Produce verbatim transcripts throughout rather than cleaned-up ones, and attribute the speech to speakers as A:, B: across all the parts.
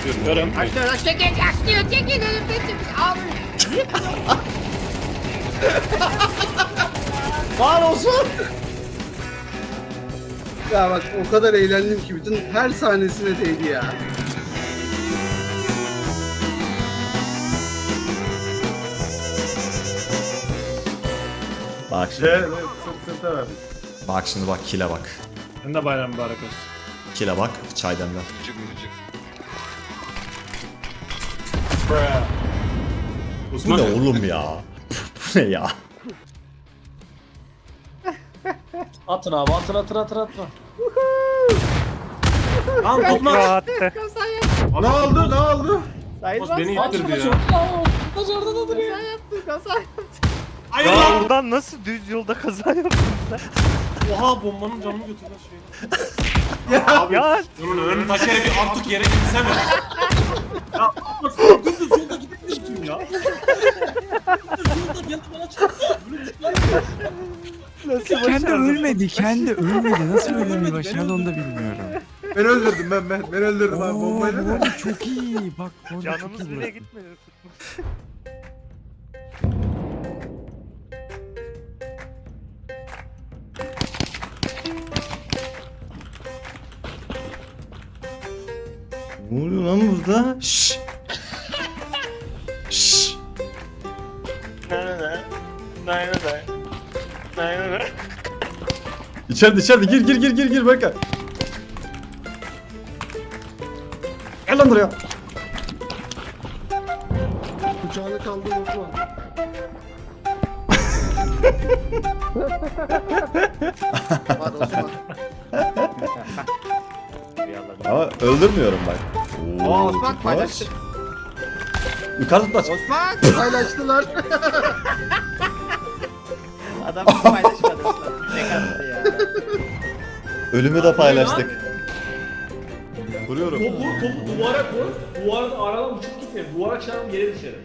A: Görüm.
B: Açlıyor, çekin, açlıyor, çekin önümdeki abi.
C: Var Osman. Ya bak o kadar eğlendim ki bütün her sahnesine değdi ya.
D: Bak şimdi.
E: Evet, evet, sırt sırta verdik.
D: Bak şimdi bak kile bak.
A: Sen de bayram mübarek olsun.
D: Kile bak çay demler. Bu
A: Osman.
D: ne oğlum ya? Bu ne ya?
E: Atın abi atın atın atın atın.
A: Al Osman.
F: Rahattı.
E: Ne oldu ne oldu?
A: Osman beni ittirdi ya.
E: Kaçarda da duruyor.
A: Hayır
F: Ya
A: lan.
F: buradan nasıl düz yolda kaza yaptın sen?
A: Oha bombanın canını götürdü şey.
F: Ya
A: Bunun ön taşları bir artık yere gitsene. Ya Osman dümdüz yolda gitmiştim ya. Dümdüz yolda geldi bana çarptı.
F: nasıl
G: Kendi
F: başardın?
G: ölmedi, kendi ölmedi. Nasıl ölmeyi başardı onu da bilmiyorum.
E: Ben öldürdüm ben ben ben öldürdüm abi
G: Oo,
E: bombayla
G: bu
E: da.
G: arada çok iyi. Bak bu arada çok
F: Canımız
G: iyi.
F: bile
G: burası.
F: gitmedi.
D: Ne oluyor lan burada? Şşş. Şşş. İçeride içeride gir gir gir gir gir Berkay. Gel lan buraya.
C: Kucağını kaldır Osman. Var Osman.
D: Ama öldürmüyorum bak. Oo,
B: Aa, Osman
D: tutmaç.
B: paylaştı.
D: Yukarı tutmaç.
B: Osman.
C: Paylaştılar.
B: Adam hiç paylaşmadı Osman. Ne kadar ya.
D: Ölümü de paylaştık. Vuruyorum.
H: Topu, topu duvara koy, duvarın aradan uçup gitme, duvara çarpıp yere düşerim.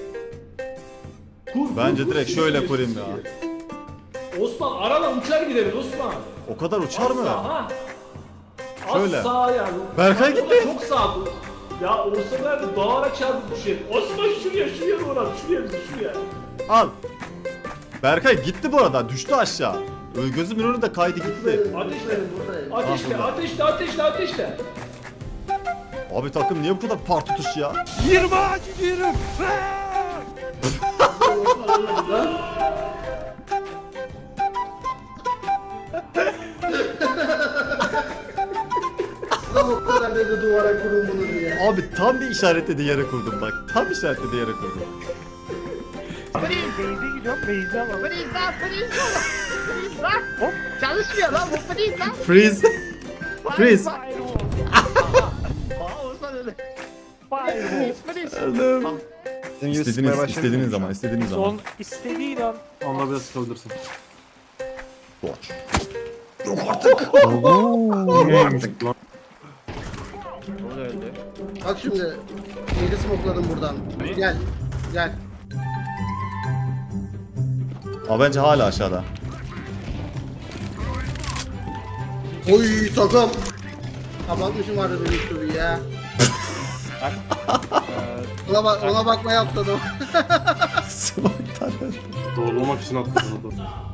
H: Kur, kur,
D: Bence
H: kur,
D: direkt
H: kur,
D: şöyle
H: kur,
D: kurayım
H: kur.
D: ya.
H: Osman aradan uçar gideriz Osman.
D: O kadar uçar mı?
H: Ha.
D: Şöyle.
H: Az sağa yani.
D: Berkay
H: Bak,
D: gitti.
H: Çok sağ dur. Ya olsa nerede duvara çarpıp düşerim. Osman şuraya, şuraya doğru at, şuraya bizi, şuraya.
D: Al. Berkay gitti bu arada. Düştü aşağı. Ö- Gözümün önünde kaydı gitti.
H: Ateşle,
C: Buradayım.
H: ateşle,
D: burada.
H: ateşle, ateşle, ateşle.
D: Abi takım niye bu kadar par tutuş ya?
F: Yirmi ağacı diyorum.
C: Adam o kadar dedi duvara kurun bunu diye.
D: Abi tam bir işaretlediği yere kurdum bak. Tam işaretlediği yere kurdum.
F: Beyze gidiyorum. Beyze ama.
B: Freeze lan, freeze lan. Freeze lan. Hop. Çalışmıyor lan bu freeze lan.
D: Freeze. Freeze.
B: Aa Osman öyle.
F: Firewall.
B: Freeze.
D: Öldüm. İstediğiniz, istediğiniz zaman, istediğiniz zaman.
F: Son istediğin an.
A: Onunla biraz sıkabilirsin.
D: Boş.
C: Bak şimdi. Yedi smokladım buradan. Gel. Gel.
D: Ama bence hala aşağıda.
C: Oy takım. Kapatmışım vardı benim üstümü ya. ona, bak, ona bakmaya atladım.
D: Smoke'tan öldüm.
A: Doğrulamak için attım bunu.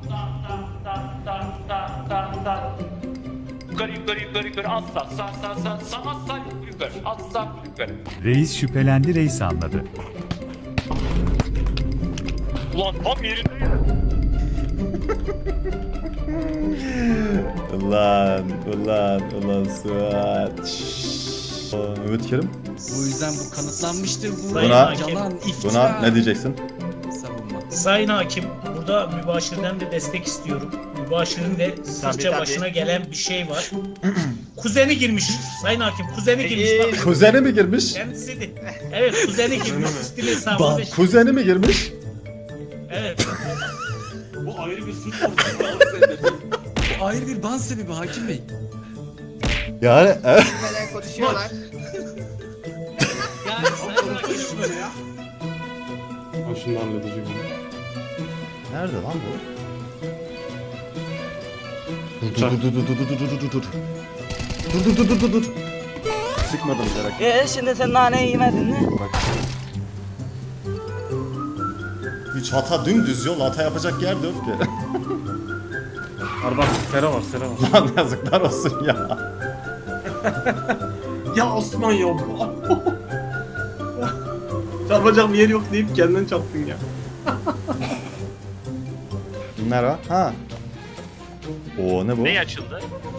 I: Yukarı yukarı yukarı yukarı at sağ sağ sağ sağ sağ at sağ yukarı at sağ yukarı.
G: Reis şüphelendi, reis anladı.
I: Ulan tam yerinde.
D: Ulan, ulan, ulan Suat. Şşş. Aa, Mehmet Kerim,
J: Bu yüzden bu kanıtlanmıştır. Bu
D: Buna-
J: yalan, iftira.
D: buna ne diyeceksin?
J: Savunma.
H: Sayın Hakim, burada mübaşirden de destek istiyorum. Mübaşirin de sırça
B: tabii.
H: başına gelen bir şey var. Kuzeni girmiş. Sayın Hakim, kuzeni girmiş. Bak,
D: Kuzeni mi girmiş?
H: kendisi de. Evet, kuzeni girmiş. Üstün hesabı beş.
D: Kuzeni mi girmiş?
H: Evet.
A: Bu ayrı bir suç oldu.
J: Bu ayrı bir ban sebebi Hakim Bey.
D: Yani e-
B: Böyle konuşuyorlar.
H: Yani Sayın Hakim,
A: Ben şimdi halledeceğim bunu.
D: Nerede lan bu? Dur dur dur dur dur dur dur dur dur. Dur dur dur dur dur dur. sıkmadım merak etme.
G: Ee şimdi sen naneyi yemedin mi?
D: Hiç hata dümdüz yol, hata yapacak yer de yok ki.
E: Var bak Sera var Sera var.
D: Lan yazıklar olsun ya.
A: Ya Osman ya. Çarpacağım yer yok deyip kendin çarptın ya.
D: Merhaba. Ha. Oo ne bu?
I: Ne açıldı?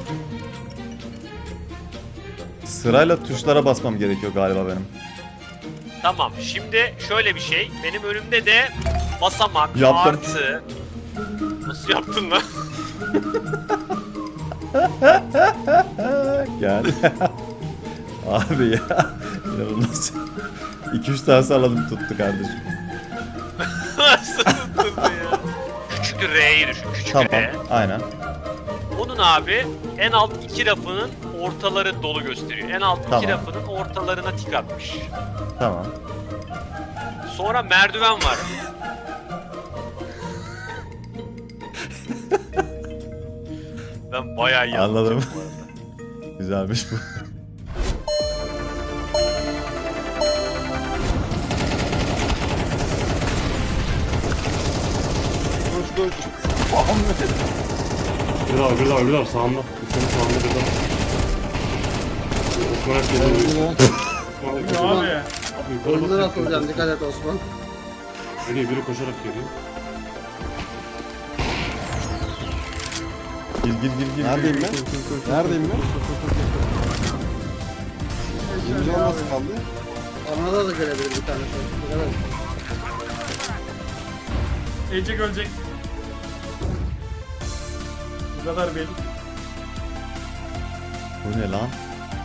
D: Sırayla tuşlara basmam gerekiyor galiba benim.
I: Tamam, şimdi şöyle bir şey. Benim önümde de basamak,
D: Yaptım.
I: artı... Nasıl yaptın lan?
D: Gel. Abi ya. İnanılmaz. iki üç tane salladım tuttu kardeşim.
I: Nasıl tuttun ya? Küçük R'yi düşün, küçük
D: Tamam.
I: R.
D: Aynen.
I: Onun abi en alt iki rafının ortaları dolu gösteriyor. En alt
D: Tamam.
I: iki rafının ortalarına tik atmış.
D: Tamam.
I: Sonra merdiven var. Ben bayağı iyi
D: Anladım.
I: anladım bu arada.
D: Güzelmiş bu.
H: Bir daha bir daha bir daha sağında. Senin sağında bir daha. Osman hep geliyor. Osman hep geliyor.
C: Abi.
H: Abi yukarı
C: Oyundan
H: bak.
C: atılacağım, dikkat et Osman.
H: Geliyor biri koşarak geliyor.
D: Gir gir gir gir. Neredeyim ben? Neredeyim ben? Birinci olması kaldı.
C: Anada da gelebilir bir tane. Evet.
A: Ecek ölecek. Bu kadar belli.
D: Bu ne lan?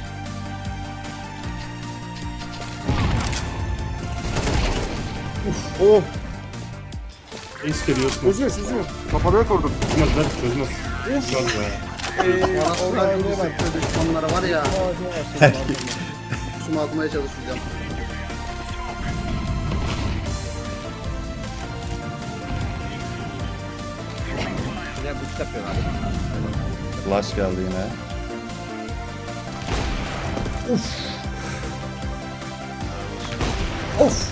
H: Oh! Es geliyor Osman. Çözüyor çözüyor. Kafamaya kurdum. Çözmez lan çözmez. Çözmez be.
C: Orada bir sıkı düşmanları var ya. Suma atmaya çalışacağım.
D: Flash geldi yine. Of.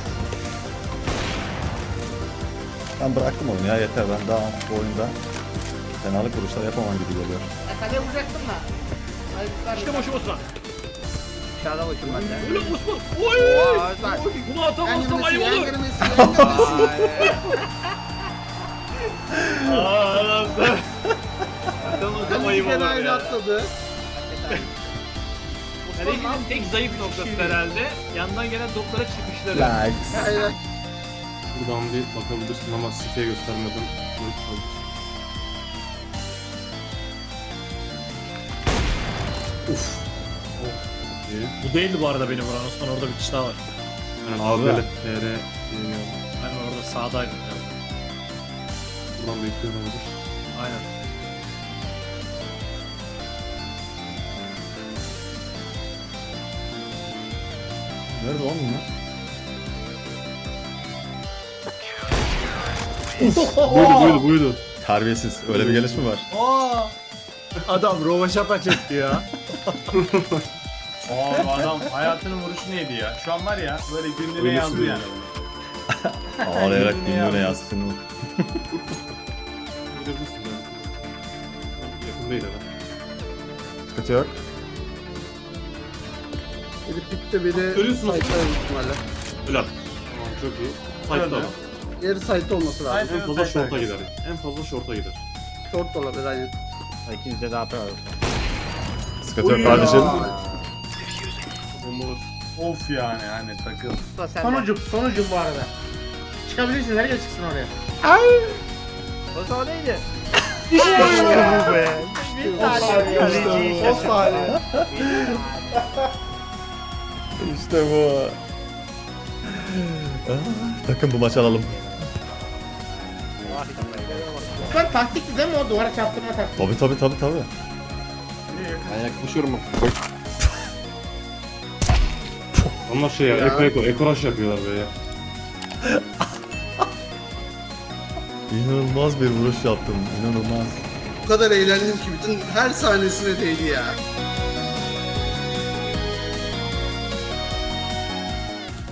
D: Ben bıraktım oyunu ya yeter ben daha bu oyunda fenalık vuruşlar yapamam gibi geliyor.
B: Kaleye vuracaktım da.
A: İşte boşu Osman.
B: Aşağıda bakayım ben de.
A: Öyle Osman. Oy!
B: Oy, bak.
A: Bunu atamazsam ayıp
C: Yenilmesi,
A: olur.
C: yenilmesi, yenilmesi.
A: Aaa sen. Atamazsam ayıp
C: Kaleci
A: olur
C: aynı
A: ya.
C: atladı.
A: Kalecinin tek zayıf noktası herhalde. Yandan gelen toplara çıkışları.
D: Lags.
C: Aynen.
H: Buradan bir bakabilirsin ama siteye göstermeden. Uf.
A: Bu değildi bu arada benim vuran Osman, orada bir kişi daha var.
H: Yani A B L T R diyemiyorum.
A: Ben orada sağdaydım ya.
H: Buradan bekliyorum olur.
A: Aynen.
D: Nerede oğlum bunlar?
H: Buydu buydu buydu.
D: Terbiyesiz. Öyle bir gelişme var.
E: Adam rovaşata çekti ya.
A: Aa bu adam hayatının vuruşu neydi ya? Şu an var ya böyle günlüğüne
H: Öyle
A: yazdı
H: sürüyor.
A: yani.
D: Ağlayarak
A: Yine
D: dinliyor
A: ya.
D: yazsın o.
H: Görebilirsin ben. Yakın değil adam.
D: Sıkıntı yok.
C: Biri pitte biri
A: Görüyorsunuz.
C: site'da büyük ihtimalle.
H: Helal. Tamam çok iyi. Sight'ta adam.
C: Diğeri site'da olması lazım.
A: Aynen.
H: En fazla short'a gider. En fazla short'a gider.
C: Short da olabilir aynen.
B: İkinizde de A P var.
D: Sıkıntı yok kardeşim.
H: Bomba var.
A: Of yani hani takıl.
B: Sonucum, sonucum bu arada. Çıkabilirsin, nereye çıksın oraya? O zaman neydi?
F: İşte bu be.
B: Bir saniye.
F: Kaleciyi şaşırttı.
D: İşte bu. Ah, takım bu maç alalım.
B: Osman taktikti değil mi o duvara çarptırma taktiği?
D: Tabi tabi tabi tabi.
E: Ben yaklaşıyorum bak.
H: Onlar şey ya, eko eko, eko rush yapıyorlar böyle ya.
D: İnanılmaz bir vuruş yaptım. İnanılmaz.
C: Bu kadar eğlendim ki bütün her sahnesine değdi ya.